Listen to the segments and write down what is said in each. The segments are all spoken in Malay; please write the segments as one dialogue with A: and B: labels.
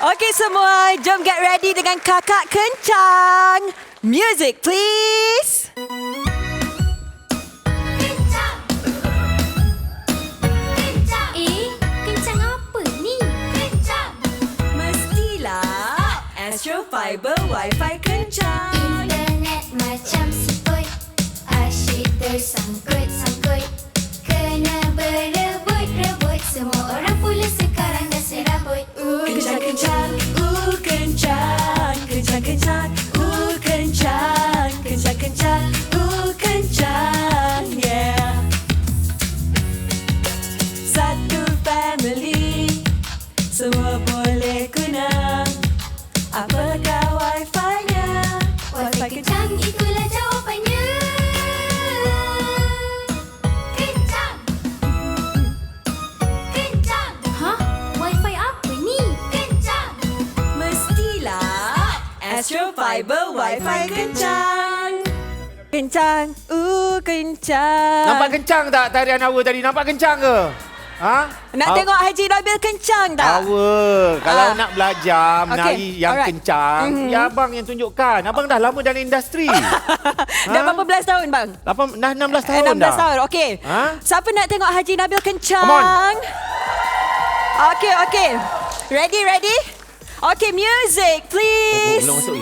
A: Okey semua, jom get ready dengan Kakak Kencang. Music please.
B: Kencang. Kencang. Kencang apa ni? Kencang.
A: Mestilah Astro Fiber Wi-Fi kencang.
B: Internet macam siput, asyik tersangkut-sangkut. Kena berebut-rebut, semua orang pula sekarang dah serabut.
A: Kencang-kencang, kencang. Kencang-kencang, kencang. Kencang-kencang, kencang. Yeah. Satu family, semua boleh guna. Apakah Wi-Fi-nya?
B: Wi-Fi kencang, itulah jawapannya. Kencang. Kencang. Hah? Wi-Fi apa ni? Kencang.
A: Mestilah Astro Fiber Wi-Fi kencang. Kencang, kencang.
C: Nampak kencang tak tarian Awa tadi? Nampak kencang ke? Ha?
A: Nak tengok Haji Nabil kencang tak?
C: Awa, kalau nak belajar menari yang
A: alright.
C: kencang, ya abang yang tunjukkan. Abang dah lama dalam industri.
A: Dah berapa belas tahun bang?
C: Dah 16 tahun
A: 16
C: dah.
A: tahun, okey.
C: Ha?
A: Siapa nak tengok Haji Nabil kencang?
C: Come on.
A: Okey. Ready? Okey, music please.
C: Belum masuk ni.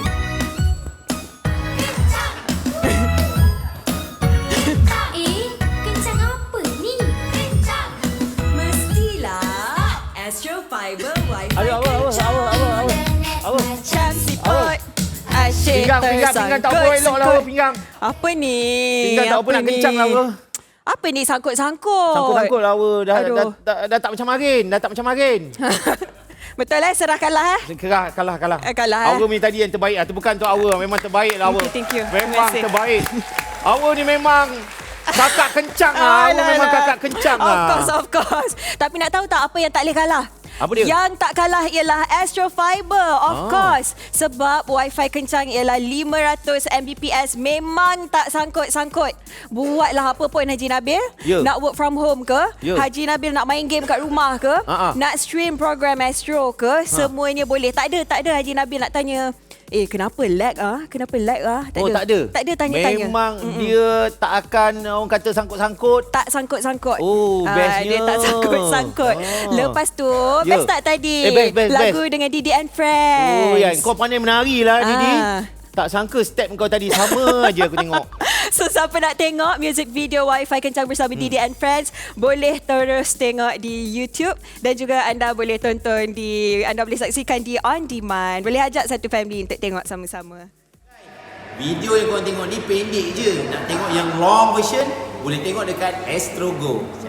B: Kencang apa ni? Kencang.
A: Mestilah Astro Fiber Wi-Fi
C: Aduh, Awa.
B: Internet
C: Awa.
A: Macam
B: macam
A: siput. Asyik
C: Pinggang tak apa elok lah Awa, pinggang.
A: Apa ni?
C: Pinggang tak apa nak kencang lah Awa.
A: Apa ni sangkut-sangkut?
C: Sangkut-sangkut lah Awa.
A: Aduh.
C: Dah tak macam marin.
A: Betul serahkanlah
C: Kalah.
A: Kalah,
C: Awa ni tadi yang terbaik. Itu bukan untuk Awa. Memang terbaik lah Awa.
A: Thank you.
C: Memang
A: Terima kasih.
C: terbaik. Awa ni memang kakak kencang lah. Awa memang kakak kencang lah.
A: Of course. Tapi nak tahu tak apa yang tak boleh kalah?
C: Apa dia?
A: Yang tak kalah ialah Astro Fiber, of course. Sebab Wi-Fi kencang ialah 500 Mbps. Memang tak sangkut-sangkut. Buatlah apa pun Haji Nabil.
C: Ya.
A: Nak work from home ke?
C: Ya.
A: Haji Nabil nak main game kat rumah ke? Nak stream program Astro ke? Semuanya boleh. Tak ada Haji Nabil nak tanya, kenapa lag ah? Kenapa lag ah?
C: Tak ada.
A: Tak ada tanya-tanya.
C: Memang dia tak akan orang kata sangkut-sangkut.
A: Tak sangkut-sangkut.
C: Oh, bestnya.
A: Dia tak sangkut-sangkut. Lepas tu,
C: Ya.
A: best tak tadi?
C: Best.
A: Lagu dengan Didi and Friends.
C: Oh, ya. Kau pandai menari lah, Didi. Tak sangka step kau tadi sama aja aku tengok.
A: So, siapa nak tengok music video Wi-Fi kencang bersama Didi and Friends, boleh terus tengok di YouTube. Dan juga anda boleh anda boleh saksikan di On Demand. Boleh ajak satu family untuk tengok sama-sama.
D: Video yang korang tengok ni pendek je. Nak tengok yang long version, boleh tengok dekat Astro Go.